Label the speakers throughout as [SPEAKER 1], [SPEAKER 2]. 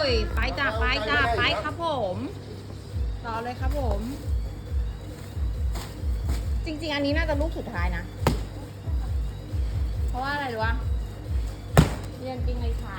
[SPEAKER 1] ยไปจ้าไปจ้าไปครับผมต่อเลยครับผม จริงๆอันนี้น่าจะลูกสุดท้ายนะ เพราะว่าอะไรรู้วะเรียนจริงในชาย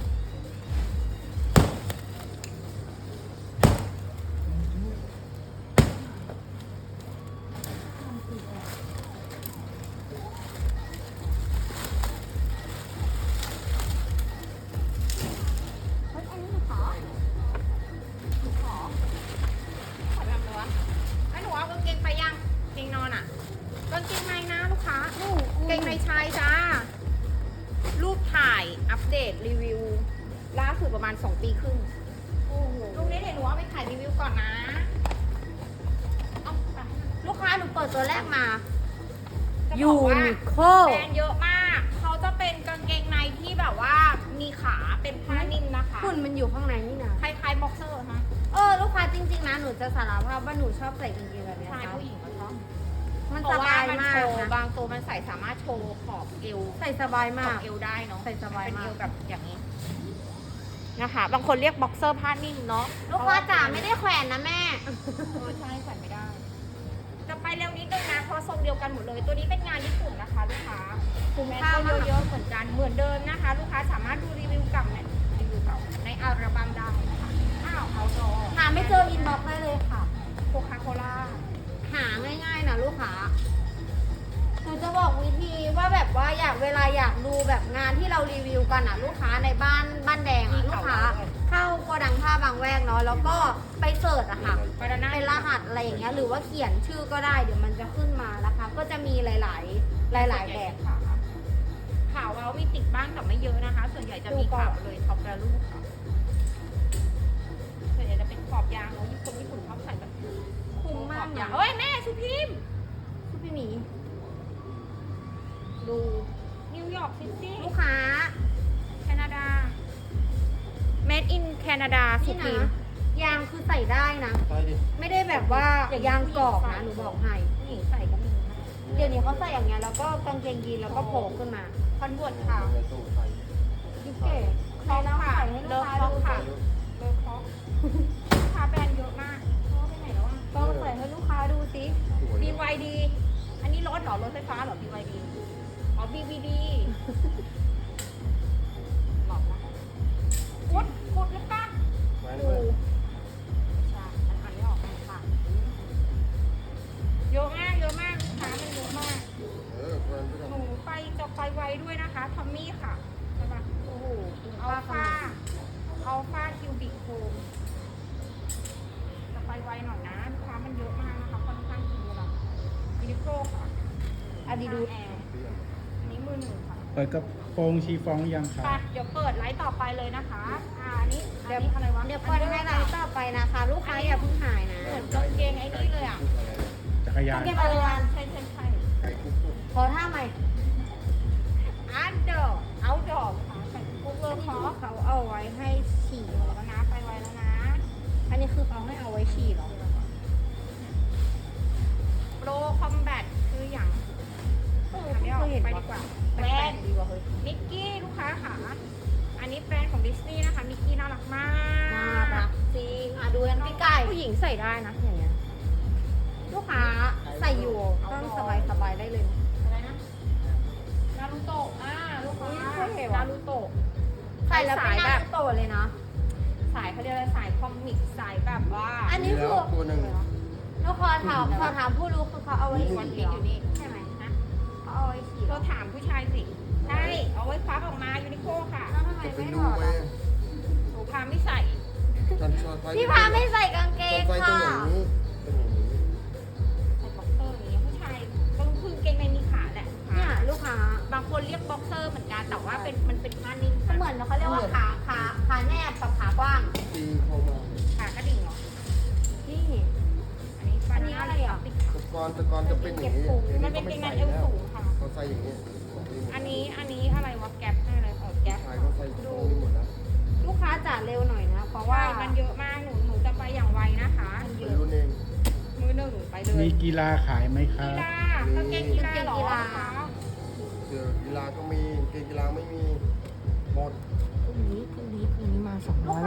[SPEAKER 1] เกงในชายจ้ารูปถ่ายอัปเดตรีวิวล่าสุดประมาณ2 ปีครึ่งลูกนี้เดี๋ยวหนูเอาไปถ่ายรีวิวก่อนนะเอาไปลูกค้าหนูเปิดตัวแรกมายูนิโคแบรนด์เยอะมากเขาจะเป็นกางเกงในที่แบบว่ามีขาเป็นผ้านิ่มนะคะ
[SPEAKER 2] หุ่นมันอยู่ข้างในนี่นะ
[SPEAKER 1] คล้ายๆบ็อกเซอร์ฮะ
[SPEAKER 2] ลูกค้าจริงๆนะหนูจะสารภาพว่าหนูชอบใส่กางเกงแบบนี้
[SPEAKER 1] ชาย
[SPEAKER 2] ค่ะ
[SPEAKER 1] ผู้หญิงก็ชอบ
[SPEAKER 2] มัน
[SPEAKER 1] เพ
[SPEAKER 2] ส
[SPEAKER 1] ราะว่า
[SPEAKER 2] บาย
[SPEAKER 1] มัน
[SPEAKER 2] มา
[SPEAKER 1] โช
[SPEAKER 2] ก
[SPEAKER 1] ว์
[SPEAKER 2] นะ
[SPEAKER 1] บางตัวมันใส่สามารถโชว์ขอบเอว
[SPEAKER 2] ใส่สบาย
[SPEAKER 1] ข
[SPEAKER 2] มา
[SPEAKER 1] อก บเอวได้เนาะ
[SPEAKER 2] ใส่สบายมาก
[SPEAKER 1] เป็นเอวแบบอย่างนี้นะคะ บางคนเรียกบ็อกเซอร์ผ้านิ่มเนาะ
[SPEAKER 2] ลูกค้าจ๋าไม่ได้แขวนนะแม่
[SPEAKER 1] ใช่ใส่ไม่ได้ จะไปเร็วนิดนึงนะเพราะทรงเดียวกันหมดเลย ตัวนี้เป็นงานญี่ปุ่นนะคะลูกค้า
[SPEAKER 2] คุ้ม
[SPEAKER 1] แมส
[SPEAKER 2] ค่า
[SPEAKER 1] ก็
[SPEAKER 2] มาก
[SPEAKER 1] เยอะๆเหมือนกันเหมือนเดิมนะคะ ลูกค้าสามารถดูรีวิวเก่าเนี่ยรีวิวเก่าในอัลบั้มได้นะคะอ้าวเอาดอ
[SPEAKER 2] หาไม่เจออินบ็อกซ์ได้เลยค่ะ
[SPEAKER 1] โคคาโคล่า
[SPEAKER 2] หาง่ายๆนะลูกค้าหนูจะบอกวิธีว่าแบบว่าเวลาอยากดูแบบงานที่เรารีวิวกันอ่ะ ลูกค้าในบ้านแดงอ่ะลูกค้า เข้าโกดังผ้าบางแวกเนาะแล้วก็ไปเสิร์ชอะค่ะ
[SPEAKER 1] บานาน่า
[SPEAKER 2] เป็นรหัสอะไรอย่างเงี้ยหรือว่าเขียนชื่อก็ได้เดี๋ยวมันจะขึ้นมานะคะ ก็จะมีหลายๆแบบ
[SPEAKER 1] ค่ะขาวเรามีติดบ้างแต่ไม่เยอะนะคะ ส่วนใหญ่จะมีขาวเลยท็อปแวลูค่ะส่วนใหญ่จะเป็นขอบยางเนาะญี่ปุ่นชอบใส่แบบ
[SPEAKER 2] คุ้มมาก
[SPEAKER 1] ขอบยา
[SPEAKER 2] นะ
[SPEAKER 1] งเอ้ยแม่สุพิมพ์
[SPEAKER 2] ชุดพี่หมี
[SPEAKER 1] ดูนิวยอร์กซิตี้
[SPEAKER 2] ลูกค้า
[SPEAKER 1] แคนาดา made in แคนาดาสุ
[SPEAKER 2] นี่
[SPEAKER 1] พิ
[SPEAKER 2] นะ
[SPEAKER 1] มพ์
[SPEAKER 2] ยางคือใส่ได้นะ
[SPEAKER 3] ใช่ดิ
[SPEAKER 2] ไม่ได้แบบว่ายางกรอบนะหนูบอกให้
[SPEAKER 1] ผู้หญิงใส่ก็มีนะ
[SPEAKER 2] เดี๋ยวนี้เขาใส่อย่างเงี้ยแล้วก็กางเกงยีนแล้วก็โผล่ขึ้นมา
[SPEAKER 1] คอนเวิร์ตค่ะ
[SPEAKER 3] ในตู้ใส่
[SPEAKER 2] ดิเก๋ใส่แล้วใส่ให้ลูกค้าดู
[SPEAKER 1] ค่ะ เลอคอกลูกค้าแบรนด์เยอะมากเพราะว่าไปไหนแล้วอ่ะ
[SPEAKER 2] ต้องใส่ให้ลูกค้าดูสิ
[SPEAKER 3] สวย
[SPEAKER 1] BYD อันนี้รถเหรอ รถไฟฟ้าเหรอ BYD อ๋อ BVD หลอกนะกุดหรือเปล่า
[SPEAKER 3] ไว้
[SPEAKER 1] กู
[SPEAKER 3] ด้วย
[SPEAKER 1] ใช่มันอ่านไม่ออกค่ะเยอะมากลูกค้ามันเยอะมาก
[SPEAKER 3] แฟนพี่
[SPEAKER 1] หนูจะไปไวด้วยนะคะทอมมี่ค่ะใช่ปะโอ้โหอัลฟาคิวบิกโฮมจะไปไวหน่อยนะลูกค้ามันเยอะมากนะคะค่อนข้างเยอะละวินิโก้ค่ะ
[SPEAKER 2] อาดิดู
[SPEAKER 1] แอร์อันนี้มือหนึ่งค่ะ
[SPEAKER 4] เปิดกระโปรงชีฟองหรือยังครับ
[SPEAKER 1] ไปเดี๋ยวเปิดไลฟ์ต่อไปเลยนะคะอันนี้อะไรวะ
[SPEAKER 2] เดี๋ยวเปิดให้ไลฟ์ต่อไปนะคะ ลูกค้าอย่าเพิ่งหายนะ
[SPEAKER 1] เหมือนกางเกงไอ้นี่เลยอ่ะ
[SPEAKER 4] จักรยาน
[SPEAKER 2] เก็บอะไรกัน
[SPEAKER 1] ใช่
[SPEAKER 3] ไข่คุกคุก
[SPEAKER 2] ขอท่าใหม่
[SPEAKER 1] อันเดอร์เอาดอกค่ะใส่กุ๊กเลอร์คอ
[SPEAKER 2] เขาเอาไว้ให้ฉี่
[SPEAKER 1] แล้วนะไปไวแล้วนะ
[SPEAKER 2] อันนี้คือเขาให้เอาไว้ฉี่เหรอ
[SPEAKER 1] โปรคอมแบทคืออย่างอันนี้ออกไปดีกว่าแบรนด์
[SPEAKER 2] ดีกว่าเฮ้ย
[SPEAKER 1] มิกกี้ลูกค้าค่ะอันนี้แบรนด์ของดิสนีย์นะคะมิกกี้น่ารักมาก
[SPEAKER 2] น่ารักจริงดูกันพี่ไก่
[SPEAKER 1] ผู้หญิงใส่ได้นะอย่างเงี้ย
[SPEAKER 2] ลูกค้าใส่อยู่ต้องสบายได้เลยนะ
[SPEAKER 1] อะไรนะนารูโตะลูกค้า
[SPEAKER 2] อุ๊ยเท่ว่ะ
[SPEAKER 1] นารูโตะ
[SPEAKER 2] ใส่แล้วเป็นหน้าโตเลยนะ
[SPEAKER 1] สายเขาเรียกอะไรสายคอมิกสายแบบว่า
[SPEAKER 2] อันนี้คือ
[SPEAKER 3] แล้วตัวหนึ่ง
[SPEAKER 2] ลูกค้าถามผู้รู้คือเขาเอาไว้
[SPEAKER 1] วัน
[SPEAKER 2] ฉี่
[SPEAKER 1] พี
[SPEAKER 2] เหรอ
[SPEAKER 1] ชอยู่นี่ใช่ไหมนะ
[SPEAKER 2] เขาเอาไว้ฉี่เหร
[SPEAKER 1] เรา
[SPEAKER 2] อ
[SPEAKER 1] ถามผู้ชายสิใช่เอาไว้ควักออกมายูนิโคค่ะ
[SPEAKER 2] แล้วทำไม
[SPEAKER 3] จะไป
[SPEAKER 2] ไม่ถ
[SPEAKER 3] ดู
[SPEAKER 2] อด
[SPEAKER 3] ไป
[SPEAKER 2] อ่ะ
[SPEAKER 1] หนูพาไม่ใส่
[SPEAKER 3] ฉันชอบ
[SPEAKER 2] พี่พาไม่ใส่กางเกง
[SPEAKER 3] ไฟตัว
[SPEAKER 2] ค่ะ
[SPEAKER 3] อย่างนี้เป็นอย่างนี้
[SPEAKER 1] ใส่บ็อกเซอร์อย่างเงี้ยผู้ชายก็คือเกงในมีขาแหละ
[SPEAKER 2] เนี่ยลูกค้า
[SPEAKER 1] บางคนเรียกบ็อกเซอร์เหมือนกันแต่ว่ามันเป็นผ้านิ่ม
[SPEAKER 2] ก็เหมือนเขาเรียกว่าขาแนบกับขากว้าง
[SPEAKER 3] ตีเข้ามา
[SPEAKER 1] ขากระดิ่งเหรอ
[SPEAKER 2] นี่
[SPEAKER 1] อันนี้อะไรอ่ะ
[SPEAKER 3] ตะกอนจะเป็นอย่างนี้
[SPEAKER 1] มันเป็นเกงในเอวสูงค่ะ
[SPEAKER 3] เขาใส่อย่างนี้
[SPEAKER 1] อันนี้อะไรวะแก๊ปอะไรแก๊ป
[SPEAKER 3] ชายเขาใส่ตรงนี้หมดแล้ว
[SPEAKER 2] ลูกค้าจ่าเร็วหน่อยนะ เพราะ
[SPEAKER 1] ว่า
[SPEAKER 2] ว่า
[SPEAKER 1] มันเยอะมากหนูจะไปอย่างไวนะคะ
[SPEAKER 3] เป็นรุ่นเอง
[SPEAKER 1] มือหนึ่งไปเลย
[SPEAKER 4] มีกีฬาขายไหมครั
[SPEAKER 1] กี
[SPEAKER 4] บ
[SPEAKER 1] ฬากางเกงกีฬาเหรอคะ
[SPEAKER 3] เสื้อกีฬาก็มีเกงกีฬาไม่มีหมด
[SPEAKER 2] พรุ่งนี้มา200มารอ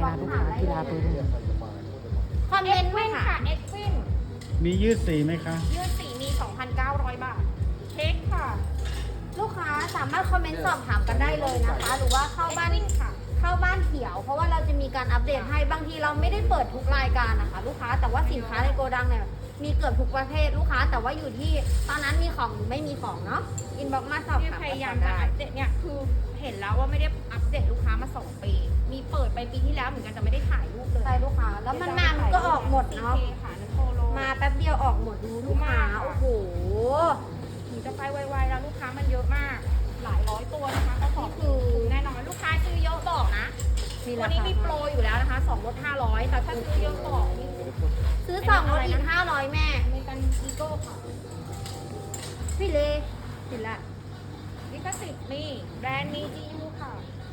[SPEAKER 2] นะลูกค้ากีฬาเบอร์หนึ่ง
[SPEAKER 3] เนี่ยใส่สบายโคตรสบาย
[SPEAKER 2] คอมเม
[SPEAKER 1] เอ็
[SPEAKER 2] น
[SPEAKER 1] ก
[SPEAKER 2] ต์
[SPEAKER 1] วิ
[SPEAKER 2] มาน ค่ะ
[SPEAKER 1] ค่ะเอ็กวิน
[SPEAKER 4] มียืดสีไหมคะ
[SPEAKER 1] ยืดสีมี 2,900 บาทเค้กค่ะ
[SPEAKER 2] ลูกค้าสามารถคอมเมนต์สอบถามกันได้เลยนะคะ หรือว่าเข้า
[SPEAKER 1] เอ็ก
[SPEAKER 2] บ้าน
[SPEAKER 1] วินค่ะ
[SPEAKER 2] เข้าบ้านเขียว เพราะว่าเราจะมีการอัปเดตให้บางทีเราไม่ได้เปิดทุกรายการนะคะ ลูกค้าแต่ว่าสินค้าในโกดังเนี่ยมีเกือบทุกประเภทลูกค้า แต่ว่าอยู่ที่ตอนนั้นมีของหรือไม่มีของเนาะอินบ็อกมาสอบ
[SPEAKER 1] ที่
[SPEAKER 2] ถาม
[SPEAKER 1] พยายาม
[SPEAKER 2] กัน
[SPEAKER 1] จะ
[SPEAKER 2] ได้
[SPEAKER 1] อัปเดตเนี่ยคือเห็นแล้วว่าไม่ได้อัปเดตลูกค้ามา 2 ปี มีเปิดไปปีที่แล้วเหมือนกันแต่ไม่ได้ถ่ายรูปเลย
[SPEAKER 2] ใช่ลูกค้า แล้วมันมามันก็ออกหมดเนาะ
[SPEAKER 1] โอคค่ะนันโปโล
[SPEAKER 2] มาแป๊บเดียวออกหมดดูลูกค้าโอ้โห
[SPEAKER 1] หนูจะไปไวๆแล้วลูกค้ามันเยอะมาก หลายร้อยตัวนะคะก็ขอบ
[SPEAKER 2] นี่คือ
[SPEAKER 1] แน่นอนลูกค้าซื้อเยอะบอกนะ
[SPEAKER 2] มี
[SPEAKER 1] วั
[SPEAKER 2] ราน
[SPEAKER 1] นี้
[SPEAKER 2] คา
[SPEAKER 1] มีโปรอยู่แล้วนะคะ2ลด500แต่ถ้าซื้อเยอะบอกนี่
[SPEAKER 2] ซื้อสองลดอีก500แม่
[SPEAKER 1] อเมริกันอีโก้ค่ะ
[SPEAKER 2] พี่เลเห็นละ
[SPEAKER 1] ลิขสิทธิ์มีแบรนด์มี GU ค่ะ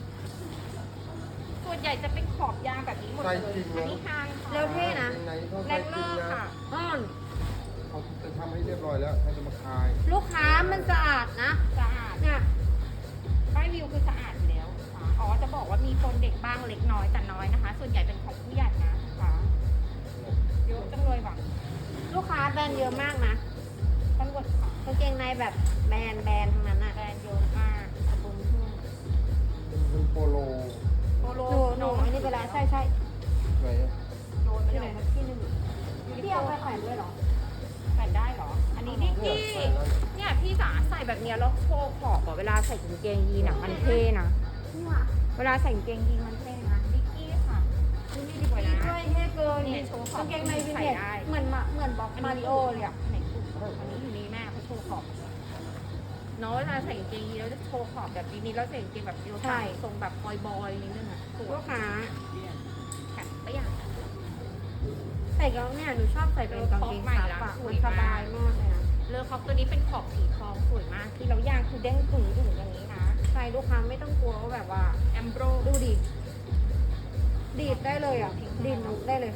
[SPEAKER 1] ส่วนใหญ่จะเป็นขอบยางแบบนี้หมดเลย
[SPEAKER 3] ใส่จริงเหรอ
[SPEAKER 1] อันนี้ฮางค่ะ
[SPEAKER 2] เร็วเท่นะ
[SPEAKER 3] ในเขา
[SPEAKER 1] แร
[SPEAKER 3] ใส่
[SPEAKER 1] ง
[SPEAKER 3] จ
[SPEAKER 1] เล
[SPEAKER 3] ริ
[SPEAKER 1] อง ร์
[SPEAKER 3] นะ
[SPEAKER 1] ค่ะ
[SPEAKER 2] อ้อน
[SPEAKER 3] เขาจะทำให้เรียบร้อยแล้วเขาจะมาคาย
[SPEAKER 2] ลูกค้ามันสะอาดนะ
[SPEAKER 1] สะอาด
[SPEAKER 2] เนี่ย
[SPEAKER 1] ป้ายวิวคือสะอาดอยู่แล้วค่ะอ๋อจะบอกว่ามีคนเด็กบ้างเล็กน้อยแต่น้อยนะคะ ส่วนใหญ่เป็นของผู้ใหญ่นะคะเยอะจังเลยหวัง
[SPEAKER 2] ลูกค้าแบรนด์เยอะมากนะ
[SPEAKER 1] ตำรวจค่ะ
[SPEAKER 2] กางเกงในแบบแบรนด์ทั้งนั้นอ่ะ
[SPEAKER 1] แบรนด์เยอะมากขอบคุณทุ่ง
[SPEAKER 3] เป็นโปโล
[SPEAKER 1] โปโล
[SPEAKER 2] หนูอันนี้ไปแล้วใช่
[SPEAKER 3] ไหนอะ
[SPEAKER 1] โดนไป
[SPEAKER 2] ที่
[SPEAKER 1] เล
[SPEAKER 2] ไหน
[SPEAKER 1] ย
[SPEAKER 2] ที่หนึ่งพี่เอาไปแขวนด้วยเหรอ
[SPEAKER 1] แผ่นได้เหรอ อันนี้นิก
[SPEAKER 3] เนี่ย
[SPEAKER 1] กี้
[SPEAKER 3] ใส่แล้ว
[SPEAKER 1] เนี่ยพี่จ๋าใส่แบบเนี้ยแล้วโชว์ขอบอะเวลาใส่กางเกงยีนอะมันเท่นะ
[SPEAKER 2] นี่ว่ะ
[SPEAKER 1] เวลาใส่กางเกงยีนมันเท่นะนิกกี้ค่ะนี่ดีกว่า
[SPEAKER 2] นี่
[SPEAKER 1] นะ
[SPEAKER 2] ด้วยเท่เกิน
[SPEAKER 1] นี่โชว์ขอบ
[SPEAKER 2] กางเกงในวินเทจ
[SPEAKER 1] ใส่ได้
[SPEAKER 2] เหมือนบล็อกมาริโอเลยอ่ะ
[SPEAKER 1] ไหนถูกอันนี้อยู่นี่แม่เขาโชว์ขอบเนาะเวลาใส่กางเกงยีนแล้วจะโชว์ขอบแบบนี้แล้วใส่กางเกงแบบเดียวใส่ทรงแบบบอยๆนิดนึงอะสวย
[SPEAKER 2] ลูกค้า
[SPEAKER 1] แข็งไปอย่าง
[SPEAKER 2] ใส่แล้วเนี่ยหนูชอบใส่เป็นกางเกงซับอะมันสบายมากเลยนะ
[SPEAKER 1] เลอคอกตัวนี้เป็นขอบสีทองสวยมากที่เราย่างคือเด้งดึงอย่างนี้นะ
[SPEAKER 2] ใส่ลูกค้าไม่ต้องกลัวว่าแบบว่า
[SPEAKER 1] แอมโบร
[SPEAKER 2] ดูดิดีดได้เลยอ่ะดีดนุกได้เลย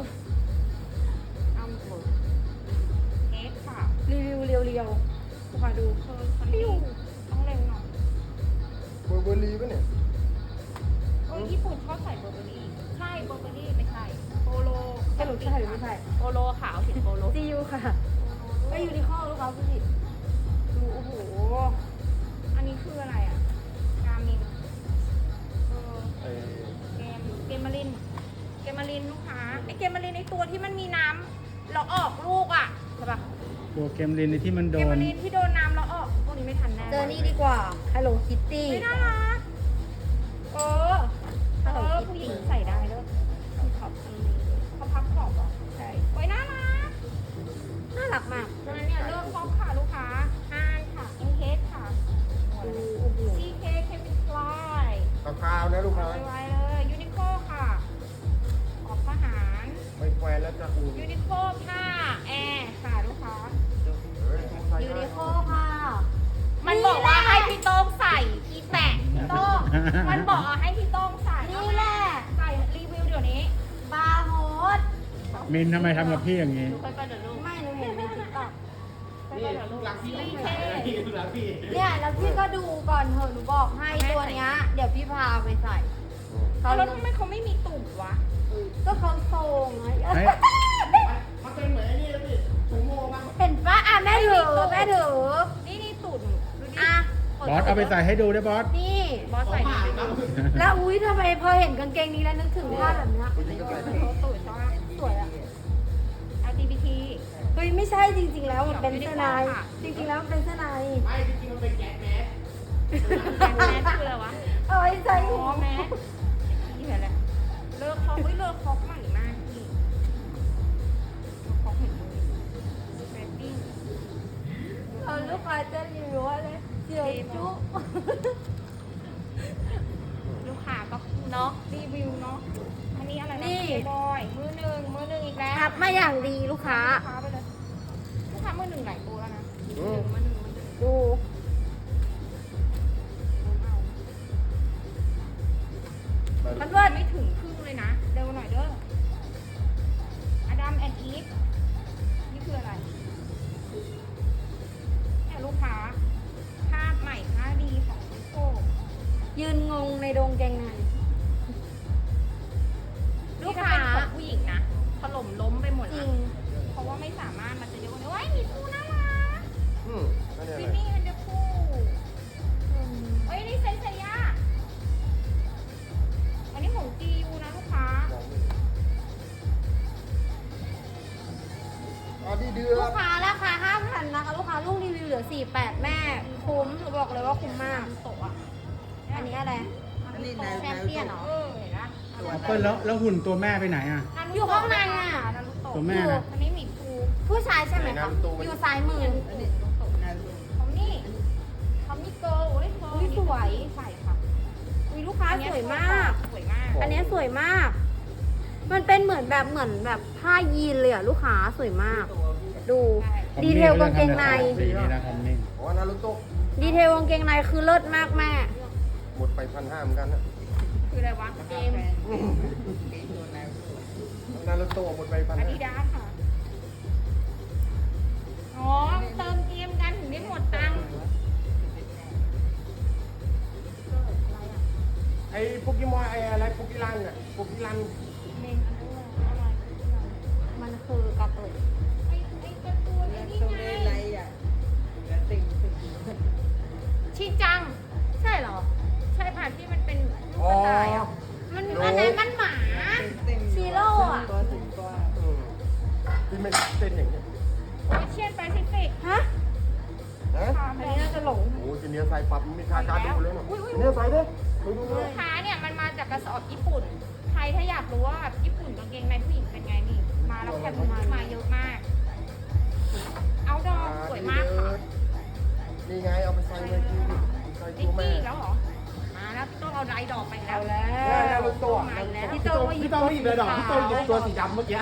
[SPEAKER 1] อัมโบเค้กค่ะ
[SPEAKER 2] รีวิวเรียวๆลูกค้าดู
[SPEAKER 1] คนนี้ต้องเร็วหน่อย
[SPEAKER 3] เบอร์เบอรี่ปะเนี่ย
[SPEAKER 1] ญี่ปุ่นชอบใส่เบอร์เบอรี่ใช่เบอร์เบอรี่ไม่ใช่โปโล
[SPEAKER 2] สรุปใช่หรือไม่ใช่
[SPEAKER 1] โปโลขาวสีโปโล
[SPEAKER 2] ซียูค่ะก็ยูนิคอร์ลูกค้าดูดิดูโอ้โห
[SPEAKER 1] อันนี้คืออะไรอ่ะกามิน
[SPEAKER 3] ไอ้
[SPEAKER 1] เกมมารินลูกค้าไอเกมมารินไอตัวที่มันมีน้ำเราออกลูกอ่ะใช่ปะ
[SPEAKER 4] ตัวเกมลินในที่มันโด
[SPEAKER 1] เกมมาน รินที่โดนน้ำเราออกพวกนี้ไม่ทันแน่
[SPEAKER 2] เจอนี่ดีกว่า Hello Kitty
[SPEAKER 1] ไม่น่ารักเออผู้หญิงใส่ได้ด้วยมีขอบตรงนี้เขาพับขอบเหรอ
[SPEAKER 2] ใช่
[SPEAKER 1] โอ้ยน่ารัก
[SPEAKER 2] น่ารักมาก
[SPEAKER 1] ฉะนั้นเนี่ยเลือกครอบค่ะลูกค้าฮานค่ะเอ็นเคสค่ะ
[SPEAKER 2] ดูโอ้โห
[SPEAKER 1] CK เคมินฟลาย
[SPEAKER 3] กาวๆนะลูกค้า
[SPEAKER 1] ไวๆเลยยูนิโคค่ะขอบทหาร
[SPEAKER 3] ไม่แควนแล้วจะอุ่น
[SPEAKER 1] ยูนิโคผ้าแอร์ค่ะลูกค้า
[SPEAKER 3] เฮ้ยใส่
[SPEAKER 2] ยู
[SPEAKER 3] ได้
[SPEAKER 2] นิโคค่ะ
[SPEAKER 1] มันบอกว่าให้พี่โต้งใส่พี่แตะพี่โต้งมันบอกให้พี่โต้งใส่
[SPEAKER 2] นี่แหละ
[SPEAKER 1] ใส่รีวิวเดี๋ยวนี้
[SPEAKER 2] บาร์โฮส
[SPEAKER 4] มินทำไมทำกับพี่อย่างนี้
[SPEAKER 1] ดูไปเดี๋ยวลูก
[SPEAKER 2] ไม่หนูเห็นในติ๊กต็อก
[SPEAKER 1] ไปเดี๋ยวลูกซีเค
[SPEAKER 2] เนี่ยแล้วพี่ก็ดูก่อนเถอะหนูบอกให้ตัวเนี้ยเดี๋ยวพี่พาไปใส่
[SPEAKER 1] เอาแล้วทำไมเขาไม่มีตุ่มวะ
[SPEAKER 2] ก็เขาโซงไง
[SPEAKER 4] เฮ้ย
[SPEAKER 3] มันเป็นเหมือนไอ้นี่แล้วพี่ถุงโม่บ้าง
[SPEAKER 2] เห็นปะอ่ะแม่ถือแม่ถือ
[SPEAKER 1] นี่ตุ่มดูดิ
[SPEAKER 2] อ่ะ
[SPEAKER 4] บอสเอาไปใส่ให้ดูได้บอส
[SPEAKER 2] นี่
[SPEAKER 1] บอสใส่ดีไปดู
[SPEAKER 2] แล้วอุ้ยทำไมพอเห็นกางเกงนี้แล้วนึกถึงภาพแบบเนี้ย
[SPEAKER 3] ผู้หญิงก็ใส่ได้
[SPEAKER 1] ตุ่มชอบ
[SPEAKER 2] สวยอ่ะ
[SPEAKER 1] LGBT
[SPEAKER 2] เฮ้ยไม่ใช่จริงๆแล้วมันเป็นเสื้อในจริงๆแล้วมันเป็นเสื้อใน
[SPEAKER 3] ไม่จริงๆมันเป็นแก๊สแมส
[SPEAKER 1] แมสคืออะไรวะ
[SPEAKER 2] เอาไว้ใส่
[SPEAKER 1] อ๋
[SPEAKER 2] หั
[SPEAKER 1] อ
[SPEAKER 2] ว
[SPEAKER 1] แมสนี่แหละเลิกคอกเลิกคอกใหม่มากพี่เลิกคอกเห็นเลยเรตติ้ง
[SPEAKER 2] เอาลูกค้าจะรีวิวว่าเลยเจียวจุ
[SPEAKER 1] ลูกค้าก็เนาะรีวิวเนาะอันนี้อะไรนะบอยมือหนึ่งอีกแล้ว
[SPEAKER 2] ทับมาอย่างดีลูกค้า
[SPEAKER 1] ลูกค้าไปเลยลูกค้ามือหนึ่งหลายตัวแล้วนะมือหนึ่ง
[SPEAKER 2] ดู
[SPEAKER 1] มันว่าไม่ถึงครึ่งเลยนะเร็วหน่อยเด้ออดัมแอนด์อีฟนี่คืออะไรเนี่ยลูกค้าภาพใหม่ค่าดีของนิโก้
[SPEAKER 2] ยืนงงในโดงเกงใน
[SPEAKER 3] เดื
[SPEAKER 2] ลู
[SPEAKER 3] อก ด
[SPEAKER 2] ค้าราคา 5,000 นะคะ ลูกค้าลูกรีวิวเหลือ 48 แม่คุ้มหนูบอกเลยว่าคุ้มมาก
[SPEAKER 1] โตะอ่ะ
[SPEAKER 2] อันนี้อะไร
[SPEAKER 5] อันนี้แนว
[SPEAKER 2] แชมเปี้ยนเหรอ
[SPEAKER 1] เห็นนะ
[SPEAKER 4] เปิ้ลแล้วหุ่นตัวแม่ไปไหนอ่ะ
[SPEAKER 2] อยู่ข้างในอ่ะ
[SPEAKER 1] นารุโตะ
[SPEAKER 4] ตัวแม่นะ
[SPEAKER 1] อันนี้หมีภู
[SPEAKER 2] ผู้ชายใช่ไหมคะอยู่ซ้ายมือ
[SPEAKER 5] อันนี้แนว
[SPEAKER 1] เขานี่เขามีเกิร์ลเฮ้ยเกิร์ล
[SPEAKER 2] อุ๊ยสวย
[SPEAKER 1] ใส่ค่ะ
[SPEAKER 2] อุ้ยลูกค้าสวยมาก
[SPEAKER 1] สวยมาก
[SPEAKER 2] อันนี้สวยมาก มันเป็นเหมือนแบบผ้ายีนเลยอ่ะลูกค้าสวยมาก ดู ดีเทลกางเกงใน
[SPEAKER 4] สีนี้นะคอมมิ่ง
[SPEAKER 3] อ๋อนารุโตะ
[SPEAKER 2] ดีเทลกางเกงในคือเลิศมากแม่
[SPEAKER 3] หมดไป1,500เหมือนกันนะ
[SPEAKER 1] คืออะไรวะเกม
[SPEAKER 3] นารุโตะหมดไป
[SPEAKER 1] อาดิ
[SPEAKER 3] 1,500
[SPEAKER 1] ดาสค่ะ อ๋อ เติมเกมกันถึงได้หมดตังค์
[SPEAKER 3] ไอ้โปเกมอนไอ้อะไรโปเกลันอ่ะโปเกลัน
[SPEAKER 1] เมนอันนั้นอะไร
[SPEAKER 2] มันคือการ์ตูน
[SPEAKER 1] ไอ้การ์ตูนไอ้นี่
[SPEAKER 5] ตัว
[SPEAKER 1] ไง
[SPEAKER 5] นี้ไรอ่ะแล้วติ่ง
[SPEAKER 1] ชินจัง
[SPEAKER 2] ใช่เหรอ
[SPEAKER 1] ใช่ผ่านที่มันเป็นลูก
[SPEAKER 3] อ๋อก
[SPEAKER 1] ระต่ายอ่ะ
[SPEAKER 2] มันอันไหนมันหมา
[SPEAKER 5] ติ่ง
[SPEAKER 2] ซีโร่อะ
[SPEAKER 5] ตัวถึงตัว
[SPEAKER 3] ที่ไม่เต้นอย่างเงี้ย
[SPEAKER 1] โอเชียนแปซิฟิก
[SPEAKER 2] ฮะ
[SPEAKER 3] ฮะ
[SPEAKER 1] อันนี้น่าจะหลง
[SPEAKER 3] โอ้จีเนียใส่ปรับมีค่าการดูเลยนะจีเนียใส่ดิไปดูเล
[SPEAKER 1] ลู
[SPEAKER 3] ย
[SPEAKER 1] กค้าเนี่ยมันมาจากกระสอบญี่ปุ่น ใครถ้าอยากรู้ว่าญี่ปุ่นกางเกงในผู้หญิงเป็นไงนี่ มาแล้วแคปมาเยอะมาก เอาดอกสวยมากค่ะ
[SPEAKER 3] นี่ไงเอาไปใส่เลยที่ใส่
[SPEAKER 1] ดิ
[SPEAKER 3] ตั
[SPEAKER 1] ก
[SPEAKER 3] วแม่
[SPEAKER 1] กี้แล้วเหรอ มาแล้วพี่ต้องเอาไรดอกไปแล้ว
[SPEAKER 3] นารุโตะ
[SPEAKER 1] มาแล้ว
[SPEAKER 3] พี่โตไม่หยิบเลยดอกพี่โตหยิบตัวสีดำเมื่อกี้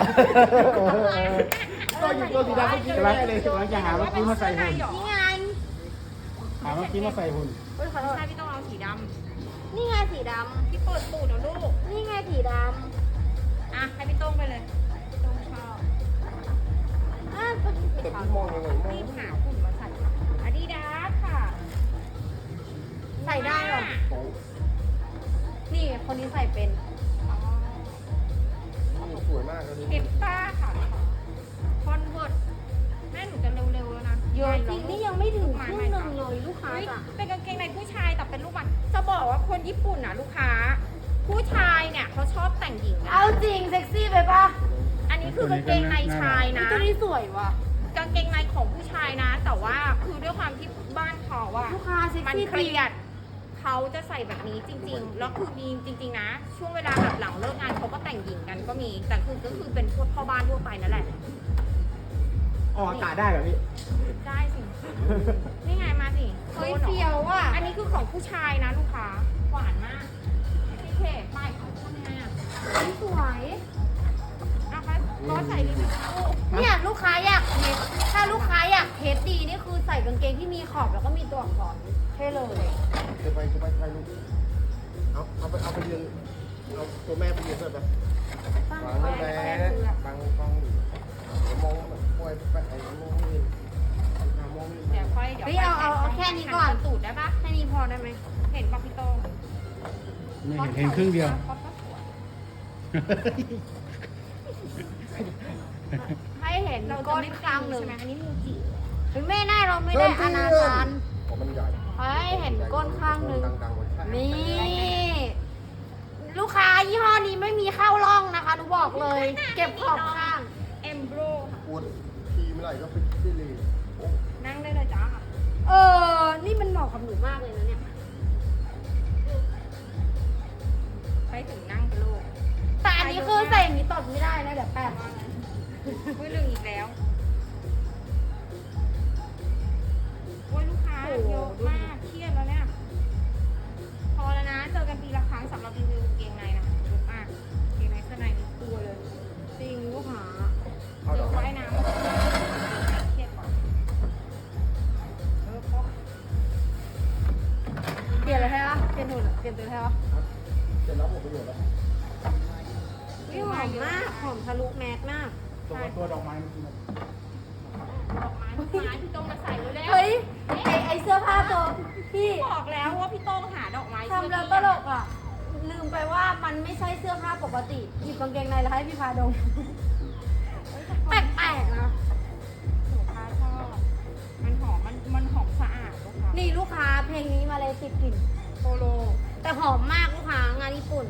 [SPEAKER 3] พี่โตหยิบตัวสีดำเมื่อกี้
[SPEAKER 4] กำลัง
[SPEAKER 3] ได้เลย
[SPEAKER 4] กำลังจะหาเมื่อกี้มาใส่หุ่น
[SPEAKER 2] นี่ไง
[SPEAKER 4] หาเมื่อกี้มาใส่หุ่น
[SPEAKER 2] เฮ้ยขอโทษ
[SPEAKER 1] ใช่พี่ต้องเอาสีด
[SPEAKER 2] นี่ไงสีด
[SPEAKER 1] ำพี่เปิดตูดเอาลูก
[SPEAKER 2] ำนี่ไงสีด
[SPEAKER 1] อ่ะให้พี่ต้องไปเลยพี่ต้องชอบ
[SPEAKER 2] ำอ่ะตัวนี้สี
[SPEAKER 3] แต่
[SPEAKER 2] ขาว
[SPEAKER 3] พี่มองยังไงมอง
[SPEAKER 1] รีบหาหุ่นมาใส่อาดิดาสค่ะ
[SPEAKER 2] ใส่ได้เหรอ
[SPEAKER 3] โอ้
[SPEAKER 2] นี่คนนี้ใส่เป็น
[SPEAKER 1] อ๋อ
[SPEAKER 3] นี่สวยมากเลย
[SPEAKER 1] เก็บป้าค่ะคอนเวิร์ตแม่หนูจะเร็วๆแล้วนะ
[SPEAKER 2] เยอะจริงนี่ยังไม่ถึงครึ่งหนึ่งเลยลูกค้า
[SPEAKER 1] เฮ้ย
[SPEAKER 2] จ้ะ
[SPEAKER 1] เป็นกางเกงในผู้ชายแต่เป็นลูกมันจะบอกว่าคนญี่ปุ่นน่ะลูกค้า ผู้ชายเนี่ยเขาชอบแต่งหญิงนะ
[SPEAKER 2] เอาจริงเซ็กซี่ไปปะ
[SPEAKER 1] อันนี้คือกางเกงในชายนะ
[SPEAKER 2] ตัวนี้สวยว่ะ
[SPEAKER 1] กางเกงในของผู้ชายนะ แต่ว่าคือด้วยความที่บ้านเขาอะ
[SPEAKER 2] ลูกค้าเซ็ก
[SPEAKER 1] มัน
[SPEAKER 2] ซี่
[SPEAKER 1] เครียดเขาจะใส่แบบนี้จริงๆ แล้วคือมีจริง ๆ นะ ช่วงเวลาแบบหลังเลิกงานเขาก็แต่งหญิงกันก็มี แต่คือก็คือเป็นพวกพ่อบ้านทั่วไปนั่นแหละ
[SPEAKER 3] ออกอากาศได้เหรอพี่
[SPEAKER 1] ได้สิ นี่ไงมาสิ
[SPEAKER 2] เฮ้ยเฟียวว่ะ
[SPEAKER 1] อันนี้คือของผู้ชายนะลูกค้า หวานมากพี่เคป้ายเขาทำไงอะ
[SPEAKER 2] สวย
[SPEAKER 1] เอาไปก็ใส่รีวิวโอ้
[SPEAKER 2] เนี่ยลูกค้าอยากเทสถ้าลูกค้าอยากเทสดีนี่คือใส่กางเกงที่มีขอบแล้วก็มีตัวอักษรเท่เลย
[SPEAKER 3] จะไปถ่ายรูปเอาไปยืนเอาตัวแม่ไปยืนด้วยไปวางนั่นแหละบังกล้องอยู่เดี๋ยวมองปล่อยไปไอ้มองนี่มองนี่
[SPEAKER 1] เดี๋ยวค่อยเดี๋ยว
[SPEAKER 2] เฮ้ยเอาแค่นี้ก่อน
[SPEAKER 1] หัตูดได้ปะ
[SPEAKER 2] แค่นี้พอได้ไหม
[SPEAKER 1] เห็นปะพี่โต้ง
[SPEAKER 4] ไม่เห็นครึ่งเดียว
[SPEAKER 1] ป๊อปก็สวย
[SPEAKER 2] ให้เห็น
[SPEAKER 1] เราจะ
[SPEAKER 2] ก้น
[SPEAKER 1] ไม่
[SPEAKER 2] ข้างหนึ่ง
[SPEAKER 1] ใช่ไหมอันนี้มูจิ
[SPEAKER 2] เฮ้ยไม่ได้เราไม่ได้อนาจาร
[SPEAKER 3] ของมันใหญ่
[SPEAKER 2] ให้เห็นก้นข้างหนึ่ง
[SPEAKER 3] ดังๆกว่าใช่
[SPEAKER 2] นี่ ลูกค้ายี่ห้อนี้ไม่มีเข้าร่องนะคะหนูบอกเลย เก็บขอบข้าง
[SPEAKER 1] เอมโบร
[SPEAKER 3] ปวดทีเมื่อไหร่ก็ไปที่เลยโอ้
[SPEAKER 1] นั่งได้เลยจ้า
[SPEAKER 2] นี่มันเหมาะกับหนูมากเลยนะเนี่ย
[SPEAKER 1] ไปถึงนั่งกันลูก
[SPEAKER 2] แต่อันนี้คือใส่อย่างนี้ตดไม่ได้นะเดี๋ยวแป๊บ
[SPEAKER 1] อุ้ยลืมอีกแล้วโอ้ยลูกค้าเยอะมากเครียดแล้วเนี่ย พอแล้วนะ เจอกันปีละครั้งสำหรับรีวิวเกงในนะเยอะมากเกงในเสื้อในนี่ตัวเลย
[SPEAKER 2] จริงลูกค้า
[SPEAKER 3] เอา
[SPEAKER 1] เจ
[SPEAKER 3] ดอ
[SPEAKER 1] อก
[SPEAKER 3] ไม้
[SPEAKER 1] ว่ายน้ำเครียดก่อนเพราะ
[SPEAKER 2] เปลี่ยนเลยใช่ปะเปลี่ยนหุ่นอะเปลี่ยนตัวใช่ปะ
[SPEAKER 3] เสร็จแล้วหมดประโยชน์แล้ว
[SPEAKER 2] นี่หอมมากหอมทะลุแมสมาก
[SPEAKER 4] ตัวดอกไม้เมื่อกี้
[SPEAKER 1] ดอกไม้พี่โต้งมาใส่เร็วๆ
[SPEAKER 2] เฮ้ยไอเสื้อผ้าตัวพี่
[SPEAKER 1] บอกแล้วว่าพี่โต้งหาดอกไม้
[SPEAKER 2] ทำแล้วตลกอ่ะ ลืมไปว่ามันไม่ใช่เสื้อผ้าปกติหยิบกางเกงในแล้วให้พี่พาดมแปลกๆนะ
[SPEAKER 1] หนูค้าชอบมันหอมมันหอมสะอาดลูกค้า
[SPEAKER 2] นี่ลูกค้าเพลงนี้มาเลยติดกลิ่น
[SPEAKER 1] โปโล
[SPEAKER 2] แต่หอมมากลูกค้างานญี่ปุ่น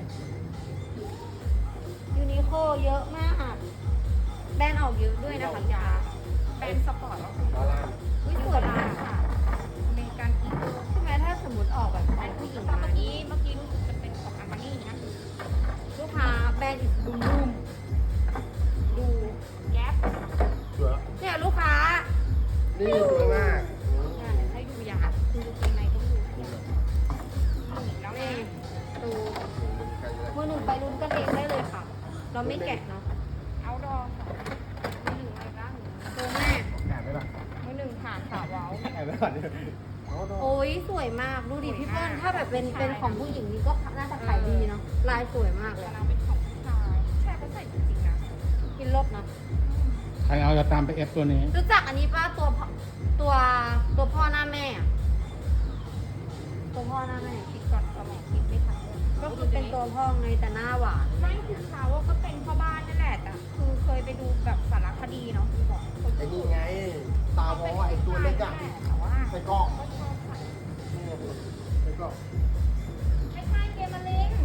[SPEAKER 2] ยูนิโคเยอะมาก แบรนด์ออกเยอะด้วยนะคะ
[SPEAKER 1] ยาแบรนด์สปอร์ตแล้ว
[SPEAKER 3] บาลาน
[SPEAKER 2] อุ้ยสวยมาก
[SPEAKER 1] ค่ะอเมริกันอีโก้
[SPEAKER 2] ใช่ไหมถ้าสมมติออกแบบของผู้หญิงมา
[SPEAKER 1] เมื่อ
[SPEAKER 2] นี่
[SPEAKER 1] กี้รู้สึกจะเป็นของอาร์มานี่นะ
[SPEAKER 2] ลูกค้าแบรนด์อิสบูมบูม
[SPEAKER 1] ดูแก๊ป
[SPEAKER 3] สวย
[SPEAKER 2] เนี่ยลูกค้า
[SPEAKER 3] นี่สวยมาก
[SPEAKER 1] เนี่ยให้ดูยาดูเกงในต้องดูนี่แล้ว
[SPEAKER 2] นี่
[SPEAKER 1] นะ
[SPEAKER 2] ดู
[SPEAKER 3] ใครจะได้
[SPEAKER 2] มือหนึ่งไปลุ้นกันเองได้เลยค่ะ เราไม่แกะเนาะ
[SPEAKER 1] เอาดอค่ะมือหนึ่งอะไรบ้าง
[SPEAKER 2] ดูแม่
[SPEAKER 4] แอบไปป่ะ
[SPEAKER 1] มือหนึ่งผ่านขาเว้า
[SPEAKER 4] แอบไปก่อนดิ
[SPEAKER 3] เอาดอก
[SPEAKER 2] โอ้ยสวยมาก ดูดิพี่เปิ้ลถ้าแบบเป็นของผู้หญิงนี่ก็น่าจะขายดีเนาะ ลายสวยมากเลย
[SPEAKER 1] แต่เราเป็นของผู้ชายใช่เขาใส่จริงๆนะ
[SPEAKER 2] กินรสเนาะ
[SPEAKER 4] ใครเอาจะตามไปเอฟตัวนี้
[SPEAKER 2] รู้จักอันนี้ป่ะตัวพ่อหน้าแม่อะตัวพ่อหน้าแม่
[SPEAKER 1] คิดก่อนสมองคิดไม่ทันเลย
[SPEAKER 2] ก็คือเป็นตัวพ่อไงแต่หน้าหวาน
[SPEAKER 1] ไม่คือเขาก็เป็นพ่อบ้านนั่นแหละแต่คือเคยไปดูแบบสารคดีเนาะคือบอกคน
[SPEAKER 3] ไอ้นี่ไง ตาวอไอ้ตัวเล็กอะ
[SPEAKER 1] แต่ว่า
[SPEAKER 3] ใส่กรอก
[SPEAKER 1] ก็ชอบใส่
[SPEAKER 3] นี่ใส่กรอก
[SPEAKER 1] ไม่ใช่เกมมาลิน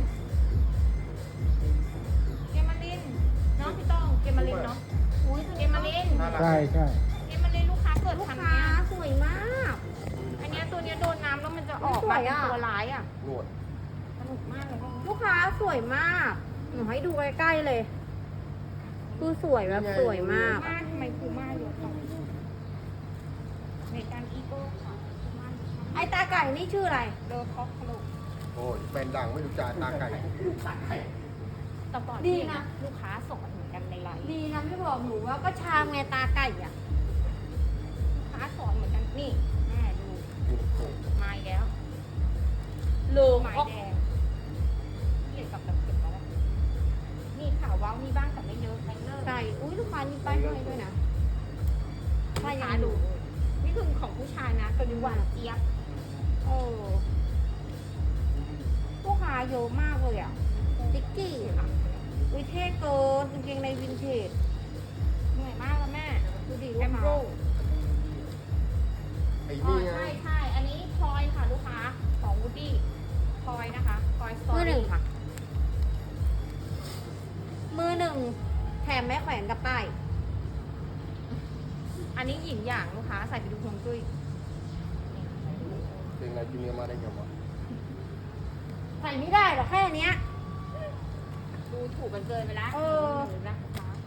[SPEAKER 1] เกมมาลินเนาะพี่ต้องเกมมาลินเนาะ
[SPEAKER 2] อุ้ย
[SPEAKER 1] เกมมาลิน
[SPEAKER 3] น่ารัก
[SPEAKER 4] ใช่ใช่
[SPEAKER 1] เกมมาลินลูกค้าเกิด
[SPEAKER 2] ลูก
[SPEAKER 1] ทัน
[SPEAKER 2] ค้า
[SPEAKER 1] เนี้ย
[SPEAKER 2] สวยมาก
[SPEAKER 1] อันเนี้ยตัวเนี้ยโดนน้ำแล้วมันจะออก
[SPEAKER 2] สวยอะ
[SPEAKER 1] เป็นตัวร้ายอ่ะ
[SPEAKER 3] หนวด
[SPEAKER 1] สนุกมากเลยพวกนี้
[SPEAKER 2] ลูกค้าสวยมาก หนูให้ดูใกล้ๆเลย คือสวยแบบสวยมาก
[SPEAKER 1] มากทำไมคูม่าเยอะจังเมกันอีโก้ค่ะคูม่าเยอะมาก
[SPEAKER 2] ไอตาไก่นี่ชื่ออะไร
[SPEAKER 1] เดอคอกคลุก
[SPEAKER 3] โอ้ยเป็นดังไม่รู้จ่ายตาไก่ตาไก่
[SPEAKER 1] แต่ก่อน
[SPEAKER 2] ดีนะ
[SPEAKER 1] ลูกค้าส่งเหมือนกันในไลน์
[SPEAKER 2] ดีนะไม่บอกหนูว่าก็ชามไงตาไก่อ่ะ
[SPEAKER 1] ลูกค้าสอนเหมือนกันนี่แม่ดู
[SPEAKER 3] นี่โอ้ย
[SPEAKER 1] มาอีกแล้ว
[SPEAKER 2] โล
[SPEAKER 1] หมายแดงเกี่ยวกับแบบเก็บไว้แล้วนี่ข่าวว้าวมีบ้างแต่ไม่เยอะไม่เลิก
[SPEAKER 2] ไก่อุ้ยลูกค้านี่ป้ายห้อยด้วยนะ
[SPEAKER 1] ลูกค้าดูนี่คือของผู้ชายนะตัวนี้หวานเจี๊ยบ
[SPEAKER 2] โอ้ลูกค้าเยอะมากเลยอ่ะติ๊กกี้ค่ะอุ้ยเท่เกินกางเกงในวินเทจ
[SPEAKER 1] เหนื่อยมากแล้วแม่
[SPEAKER 2] ดูดิ
[SPEAKER 1] แอ
[SPEAKER 2] ลูก
[SPEAKER 1] ม
[SPEAKER 2] ค้า
[SPEAKER 1] โบ
[SPEAKER 3] ไอ้
[SPEAKER 1] อ๋อ
[SPEAKER 3] นี่ไง
[SPEAKER 1] ใช่อันนี้พลอยค่ะลูกค้าของวูดดี้พลอยนะคะพลอยสตอ
[SPEAKER 2] มือหนึ่
[SPEAKER 1] รี่
[SPEAKER 2] งค่ะ มือหนึ่งแถมแม่แขวนกับป้าย
[SPEAKER 1] อันนี้หญิงอย่างลูกค้าใส่ไปดูฮวงจุ้ย
[SPEAKER 3] เป็นไงจูเนียร์มาได้ไงวะ
[SPEAKER 2] ใส่ไม่ได้หรอกแค่เนี้ย
[SPEAKER 1] ดูถูกกันเกินไปแล้ว
[SPEAKER 2] เออ
[SPEAKER 1] นะลูกค้า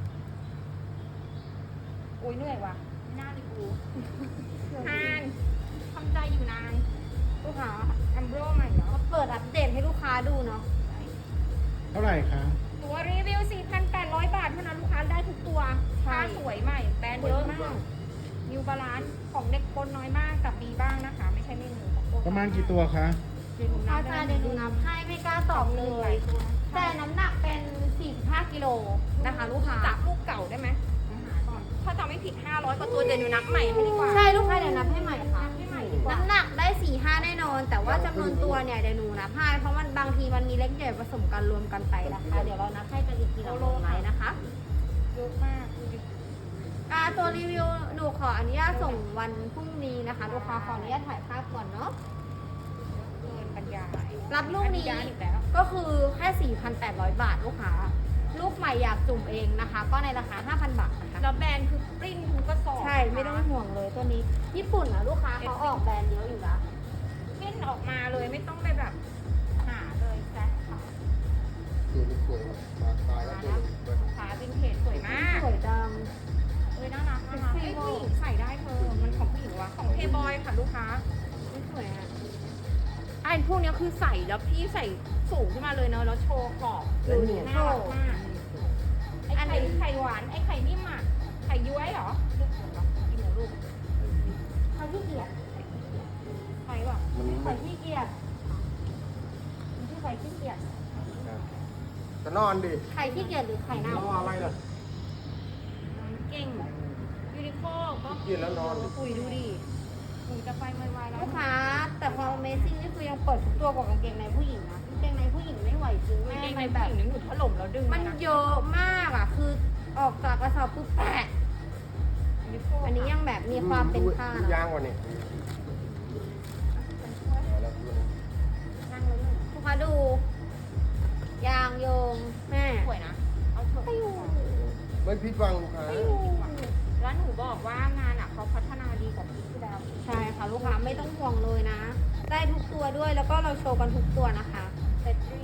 [SPEAKER 1] โอ้ยเหนื่อยว่ะไม่น่าเลยกูนานทำใจอยู่นาน
[SPEAKER 2] ลูกค้า
[SPEAKER 1] แอมโบรใหม่เนาะ
[SPEAKER 2] มาเปิดอัปเดตให้ลูกค้าดูเนาะ
[SPEAKER 4] เท่าไหร่คะ
[SPEAKER 1] ตัวรีวิว 4,800 บาทเท่านั้นลูกค้าได้ทุกตัวผ้าสวยใหม่ แบรนด์เยอะมากนิวบาลานซ์ของเด็กคนน้อยมากกับดีบ้างนะคะ ไม่ใช่ไม่มีของโคต
[SPEAKER 4] ประมาณกี่ตัวคะ
[SPEAKER 1] เดี๋ยวหนูนั
[SPEAKER 2] อา
[SPEAKER 1] บ
[SPEAKER 2] จารย์เดี๋ยวหนูนับให้ไม่กล้าตอบเลย แต่น้ำหนักเป็น 45 กิโลนะคะ ลูกค้า
[SPEAKER 1] จับลูกเก่าได้ไหมก่อนถ้าจำไม่ผิด 500กว่าตัวเดี๋ยวหนูนับใหม่ให้ดีกว่า
[SPEAKER 2] ใช่ลูกค้าเดี๋ยวนับให้ใหม่ค่ะ
[SPEAKER 1] นับให้ใหม่ดีกว่า
[SPEAKER 2] น้ำหนักได้ 4-5 แน่นอน แต่ว่าจำนวนตัวเนี่ยเดี๋ยวหนูนับให้เพราะมันบางทีมันมีเล็กใหญ่ผสมกันรวมกันไปนะคะ เดี๋ยวเรานับให้กันอีกทีละโลไหนนะคะ
[SPEAKER 1] เยอะมากดูดิ
[SPEAKER 2] ตัวรีวิวหนูขออนุญาตส่งวันพรุ่งนี้นะคะ ลูกค้าขออนุญาตถ่ายภาพก่อนเนาะ
[SPEAKER 1] เกินบรรยาย
[SPEAKER 2] รับลูกนี้
[SPEAKER 1] อญาตอีกแล้ว
[SPEAKER 2] ก็คือแค่ 4,800 บาทลูกค้า ลูกใหม่อยากจุ่มเองนะคะ ก็ในราคา 5,000 บาทนะคะ
[SPEAKER 1] แล้วแบรนด์คือปริ้นทุกกระสอบ
[SPEAKER 2] ใช่ไม่ต้องห่วงเลยตัวนี้ ญี่ปุ่นนะลูกค้าเขาออกแบรนด์เยอะอยู่นะ
[SPEAKER 1] ปริ้นออกมาเลยไม่ต้องไปแบบหาเลยแซ่ค่ะ
[SPEAKER 3] ตัวนี้สวยว่ะมาตายแล้วตัวนี้สวย
[SPEAKER 1] ขาวินเทจสวยมาก
[SPEAKER 2] สวยจัง
[SPEAKER 1] เอ้ยน่ารักน่ารัก
[SPEAKER 2] เซ็
[SPEAKER 1] เอ้
[SPEAKER 2] ก
[SPEAKER 1] ย
[SPEAKER 2] ซี่
[SPEAKER 1] ผู้หญิงใส่ได้เธอ มันของผู้หญิงวะของเพย์บอยค่ะลูกค้า
[SPEAKER 2] ไม่สวยอ่ะ
[SPEAKER 1] ไอ้พวกเนี้ยคือใส่แล้วพี่ใส่สูงขึ้นมาเลยเนอะแล้วโชว์ขอบ
[SPEAKER 3] แล้วนี่
[SPEAKER 1] น่ารักมากไอ้ไข่หวานไอ้ไข่นิ่มอ่ะไข่ย้วยเหรอลูกเหรอกินเหรอลูก
[SPEAKER 2] เขาขี้เกียจ
[SPEAKER 1] ไข่ว่ะ
[SPEAKER 3] มัน
[SPEAKER 2] ใส่
[SPEAKER 3] ไม่
[SPEAKER 2] ขี้เกียจที่ใส่ขี้เกียจ
[SPEAKER 3] จะนอนดิ
[SPEAKER 2] ไข่ขี้เกียจหรือไข่เน่าร
[SPEAKER 3] ออะไรล่ะ
[SPEAKER 1] เก่งยูนิโคก็
[SPEAKER 3] กินแล้วนอนดิ
[SPEAKER 2] คุยดูดิ
[SPEAKER 1] หนูจะไปไวๆแล้ว
[SPEAKER 2] ลูกค้าแต่ความ Amazing นี่คือยังเปิดทุกตัวกว่ากางเกงในผู้หญิงนะกางเกงในผู้หญิงไม่ไหวจริง
[SPEAKER 1] แม่
[SPEAKER 2] แม่
[SPEAKER 1] ใน
[SPEAKER 2] ใน
[SPEAKER 1] แบ
[SPEAKER 2] แบบ บ
[SPEAKER 1] นึงหนูถล่มแล้วดึง
[SPEAKER 2] มันเยอะมากอ่ะ คือออกจากกระสอบปุ๊บแปะ
[SPEAKER 1] ยูนิโค
[SPEAKER 2] อันนี้ยังแบบมีความเป็นผ้า
[SPEAKER 3] ดู
[SPEAKER 2] เน
[SPEAKER 3] ยา
[SPEAKER 2] อะ
[SPEAKER 3] งกว่านี่
[SPEAKER 1] นั่งแล้วหนึ่ง
[SPEAKER 2] ลูกค้าดู ยางโยงแม่
[SPEAKER 1] สวยนะเอาเถอะ
[SPEAKER 2] ไปอยู่
[SPEAKER 3] ไม่พิดหวังลูกค้า
[SPEAKER 2] ไปอยู่
[SPEAKER 1] รแล้วหนูบอกว่างานอ่ะเขาพัฒนาดีกว่าปีที่แล้ว
[SPEAKER 2] ใช่ค่ะลูกค้าไม่ต้องห่วงเลยนะ ได้ทุกตัวด้วยแล้วก็เราโชว์กันทุกตัวนะคะ
[SPEAKER 1] เซตรี่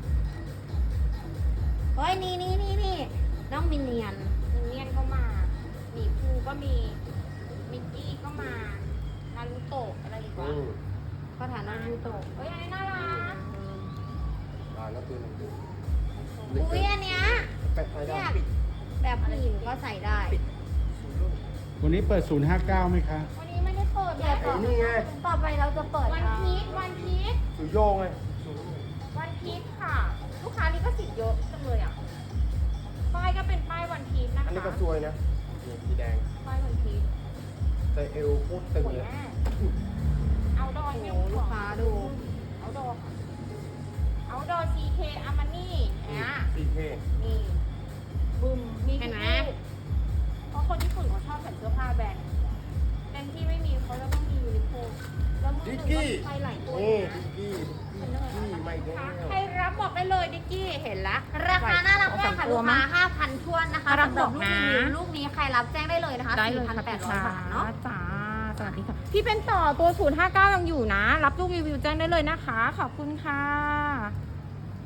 [SPEAKER 2] เฮ้ยนี่น้องมินเนียน
[SPEAKER 1] มินเนี่ยนก็มาหมีภูก็มีมิกกี้ก็มานารูโตะอะไรอีกวะ
[SPEAKER 2] ก็ฐานน้องยูโตะ
[SPEAKER 1] เฮ้ยอันนี้น่ารัก
[SPEAKER 3] แล้วตัวหนึ่ง
[SPEAKER 2] อุ้ยอันเนี้ย
[SPEAKER 3] แปะไฟได้
[SPEAKER 2] เนี่ยแบบผู้หญิงก็ใส่ได้
[SPEAKER 4] วันนี้เปิด 059ไหมคะ
[SPEAKER 1] วันนี้ไม่ได้เปิดเล
[SPEAKER 2] เดี๋ยวย ต่อ
[SPEAKER 3] นี่ไง
[SPEAKER 2] ต่อไปเราจะเปิด
[SPEAKER 1] วันพีชวันพีช
[SPEAKER 3] สุโยงไง
[SPEAKER 1] วันพีชค่ะ ลูกค้านี่ก็สิทธิ์เยอะจังเลยอ่ะป้ายก็เป็นป้ายวันพีชนะคะ
[SPEAKER 3] อันนี้ก็สวยนะนี่สีแดง
[SPEAKER 1] ป้ายวันพีช
[SPEAKER 3] แต่เอวโคตรตึง
[SPEAKER 1] สวย
[SPEAKER 3] เลย
[SPEAKER 1] มากเอาดอย
[SPEAKER 2] โอ้
[SPEAKER 1] ไม่
[SPEAKER 2] โหลูกค้าดู
[SPEAKER 1] เอาดอเอาดอ CK อามานี่เนี่ย
[SPEAKER 3] สีเท่
[SPEAKER 1] นี่บึมมี
[SPEAKER 2] เห็นไหม
[SPEAKER 1] ทุกรูปเพราะคนญี่ปุ่นเขาชอบใส่เสื้อผ้าแบรนด์ที่ไม่มีเขาจะต้องมียูนิโคแล้วมือห
[SPEAKER 3] ดิ
[SPEAKER 1] นึ่
[SPEAKER 3] ก
[SPEAKER 1] ง
[SPEAKER 3] กี้
[SPEAKER 1] ก็ไปหลายตัว
[SPEAKER 3] นี่
[SPEAKER 1] นะ
[SPEAKER 3] ดิกกี้ไม่แก้ว
[SPEAKER 1] ใครรับบอกได้เลยดิกกี้เห็นละ
[SPEAKER 2] ราคาน่ารักมากค่ะลูกค้า 5,000ท้วนนะคะ
[SPEAKER 1] น่ารัก
[SPEAKER 2] สำหรับ
[SPEAKER 1] บอก
[SPEAKER 2] ลูก
[SPEAKER 1] นะ
[SPEAKER 2] รีวิวลูกนี้ใครรับแจ้งได้เลยนะคะ 4,800 บาทเนาะ
[SPEAKER 1] จ้าสวัสดีค่ะพี่เป็นต่อตัว 059 ยังอยู่นะ รับลูกรีวิวแจ้งได้เลยนะคะ ขอบคุณค่ะ